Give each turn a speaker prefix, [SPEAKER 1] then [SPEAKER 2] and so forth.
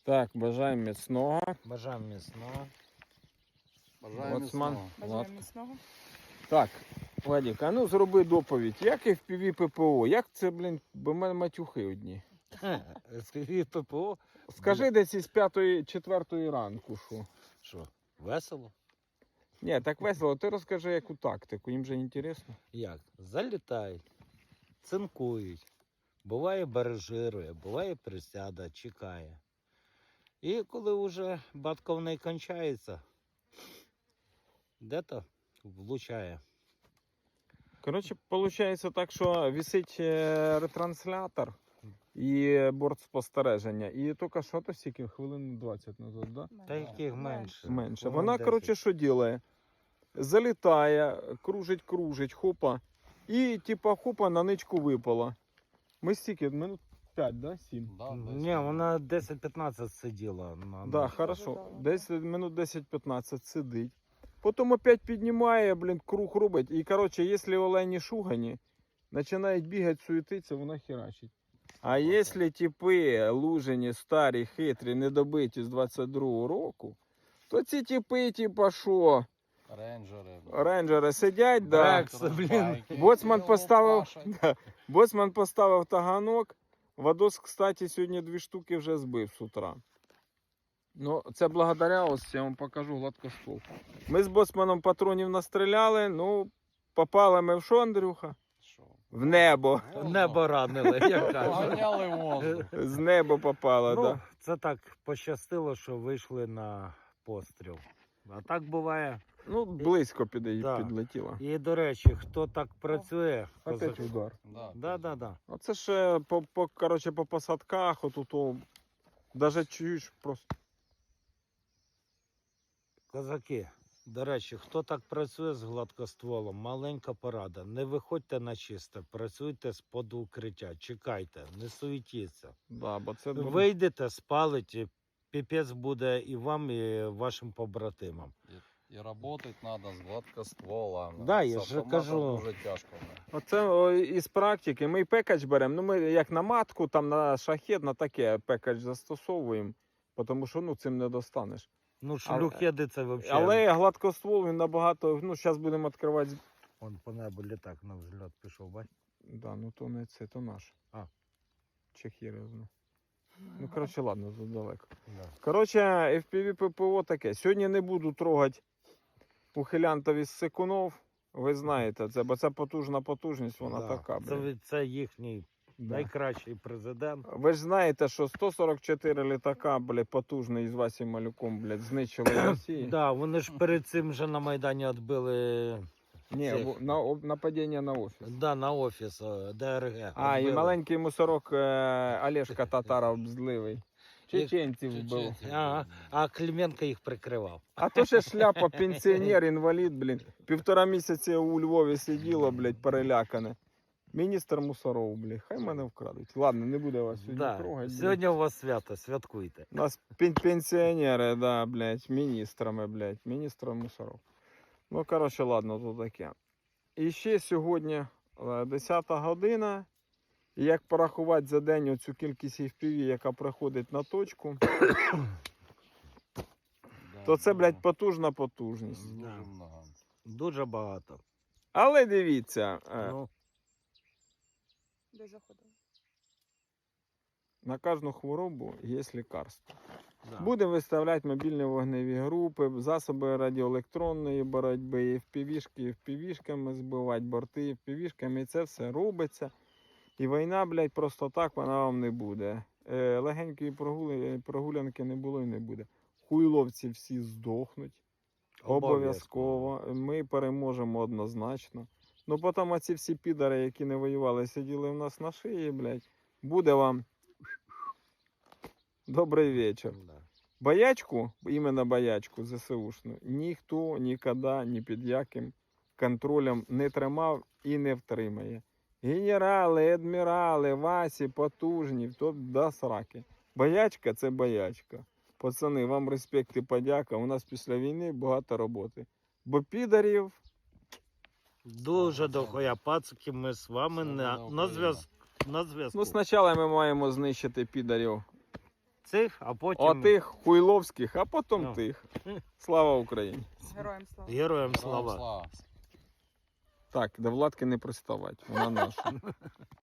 [SPEAKER 1] Так, бажаємо міцного.
[SPEAKER 2] Бажаємо міцного.
[SPEAKER 3] Бажаємо
[SPEAKER 1] Боцман.
[SPEAKER 3] міцного.
[SPEAKER 4] Бажаємо міцного.
[SPEAKER 1] Так, Владик, а ну зроби доповідь. Як FPV ППО? Як це, блін, бо в мене матюхи одні.
[SPEAKER 2] FPV ППО.
[SPEAKER 1] Скажи десь із 5-4 ранку, що?
[SPEAKER 2] Що, весело?
[SPEAKER 1] Ні, так весело. Ти розкажи, яку тактику, їм же інтересно.
[SPEAKER 2] Як? Залітають, цинкують. Буває баражирує, буває присяда, чекає. І коли вже батьковний кончається, де-то влучає.
[SPEAKER 1] Коротше, виходить так, що висить ретранслятор і борт спостереження. І тільки що то стільки, хвилин 20 назад, да?
[SPEAKER 2] Та яких менше.
[SPEAKER 1] Менше.
[SPEAKER 2] Хвилин
[SPEAKER 1] Вона,
[SPEAKER 2] 10.
[SPEAKER 1] коротше, що робить? Залітає, кружить, хопа. І, типа, хопа, на ничку випала. Ми стільки, минут 5, да? 7?
[SPEAKER 3] Да,
[SPEAKER 2] Ні, вона 10-15 сиділа.
[SPEAKER 1] Да,
[SPEAKER 2] ночі.
[SPEAKER 1] хорошо. Десь минут 10-15 сидить. Потім опять піднімає, блін, круг робить. І, коротше, якщо олені шугані, починають бігати, суетитися, вона херачить. А якщо типи лужені, старі, хитрі, недобиті з 22-го року, то ці типи, типа, що?
[SPEAKER 3] Рейнджери.
[SPEAKER 1] Рейнджери сидять, да.
[SPEAKER 2] Так, блін.
[SPEAKER 1] Боцман поставив таганок. Вадос, кстати, сьогодні 2 штуки вже збив з утра. Ну, це благодаря, ось я вам покажу гладкоствол. Ми з боцманом патронів настріляли, ну, попали ми в що, Андрюха?
[SPEAKER 3] Що?
[SPEAKER 1] В небо.
[SPEAKER 2] Небо ранили, як кажуть.
[SPEAKER 3] Поганяли воздух.
[SPEAKER 1] З неба попало,
[SPEAKER 2] Ну,
[SPEAKER 1] да.
[SPEAKER 2] це так пощастило, що вийшли на постріл. А так буває.
[SPEAKER 1] Ну, близько
[SPEAKER 2] Да.
[SPEAKER 1] підлетіло.
[SPEAKER 2] І, до речі, хто так працює,
[SPEAKER 1] Опять удар.
[SPEAKER 3] Да.
[SPEAKER 1] Оце ще коротше, по посадках, отут, даже чуєш просто.
[SPEAKER 2] козаки, до речі, хто так працює з гладкостволом, маленька порада. Не виходьте на чисте, працюйте з-под укриття, чекайте, не суетіться.
[SPEAKER 1] Да, бо це
[SPEAKER 2] Вийдете, спалите, піпець буде і вам, і вашим побратимам.
[SPEAKER 3] І працювати треба з гладкостволами.
[SPEAKER 2] Да, я
[SPEAKER 3] З
[SPEAKER 2] ж
[SPEAKER 3] автоматом
[SPEAKER 2] кажу.
[SPEAKER 3] дуже тяжко.
[SPEAKER 1] Оце із практики. Ми пекач беремо, ну ми як на матку, там на шахет, на таке пекач застосовуємо, тому що ну, цим не достанеш.
[SPEAKER 2] Ну, шлюхеди це взагалі.
[SPEAKER 1] Але гладкоствол він набагато, ну зараз будемо відкривати.
[SPEAKER 2] Вон по небу літак на взльот пішов, бать.
[SPEAKER 1] Да, ну то не це, то наш.
[SPEAKER 2] А.
[SPEAKER 1] Чехірезно. Ну, коротше, ладно, тут далеко.
[SPEAKER 2] Да.
[SPEAKER 1] Коротше, FPV ППО таке. Сьогодні не буду трогати ухилянтів із Секунов. Ви знаєте це, бо це потужна потужність, вона
[SPEAKER 2] Да.
[SPEAKER 1] така. Блін.
[SPEAKER 2] Це їхній
[SPEAKER 1] Да.
[SPEAKER 2] найкращий президент.
[SPEAKER 1] Ви ж знаєте, що 144 літака, блядь, потужний із Васі Малюком, блядь, знищили в Росії.
[SPEAKER 2] Да, вони ж перед цим вже на Майдані відбили
[SPEAKER 1] Ні,
[SPEAKER 2] цих.
[SPEAKER 1] нападіння на офіс.
[SPEAKER 2] Да, на офіс ДРГ.
[SPEAKER 1] А, і
[SPEAKER 2] відбили.
[SPEAKER 1] маленький мусорок Олешка Татаров зливий. Чеченців вбив.
[SPEAKER 3] Чеченців.
[SPEAKER 2] Ага, а Клименко їх прикривав.
[SPEAKER 1] А то ще шляпа, пенсіонер, інвалід, блін. 1,5 місяці у Львові сиділо, блядь, перелякане. Міністр мусоров, блядь, хай мене вкрадуть. Ладно, не буде вас сьогодні
[SPEAKER 2] Да.
[SPEAKER 1] трогати.
[SPEAKER 2] Сьогодні у вас свято, святкуйте.
[SPEAKER 1] У нас пенсіонери, да, блядь, міністрами, блядь, міністр мусоров. Ну, коротше, ладно, то таке. І ще сьогодні 10 година. І як порахувати за день оцю кількість FPV, яка приходить на точку, то це, блядь, потужна потужність.
[SPEAKER 3] Дуже
[SPEAKER 2] Да.
[SPEAKER 3] много.
[SPEAKER 2] Дуже багато.
[SPEAKER 1] Але дивіться,
[SPEAKER 2] Ну,
[SPEAKER 4] Де заходили?
[SPEAKER 1] на кожну хворобу є лікарство.
[SPEAKER 2] да.
[SPEAKER 1] Будемо виставляти мобільні вогневі групи, засоби радіоелектронної боротьби, FPV-шки, FPV-шками збивати, борти FPV-шками, і це все робиться. І війна, блядь, просто так вона вам не буде. Легенької прогулянки не було і не буде. Хуйловці всі здохнуть. Обов'язково. Ми переможемо однозначно. Ну потім оці всі підари, які не воювали, сиділи в нас на шиї, блядь. Буде вам добрий вечір.
[SPEAKER 2] Да.
[SPEAKER 1] Боячку, іменно боячку ЗСУшну, ніхто ніколи ні під яким контролем не тримав і не втримає. Генерали, адмірали, Васі, потужні, то до сраки. Боячка – це боячка. Пацани, вам респект і подяка. У нас після війни багато роботи. Бо підарів,
[SPEAKER 2] Дуже дохуя пацики, ми з вами
[SPEAKER 3] Це
[SPEAKER 2] на
[SPEAKER 3] Україна.
[SPEAKER 2] зв'язку.
[SPEAKER 1] ну спочатку ми маємо знищити підарів
[SPEAKER 2] цих, а потім
[SPEAKER 1] Отих хуйловських, а потім
[SPEAKER 2] Ну.
[SPEAKER 1] тих. Слава Україні!
[SPEAKER 4] Героям слава.
[SPEAKER 2] героям
[SPEAKER 3] Слава.
[SPEAKER 2] слава.
[SPEAKER 1] Так, до Владки не приставать, вона наша.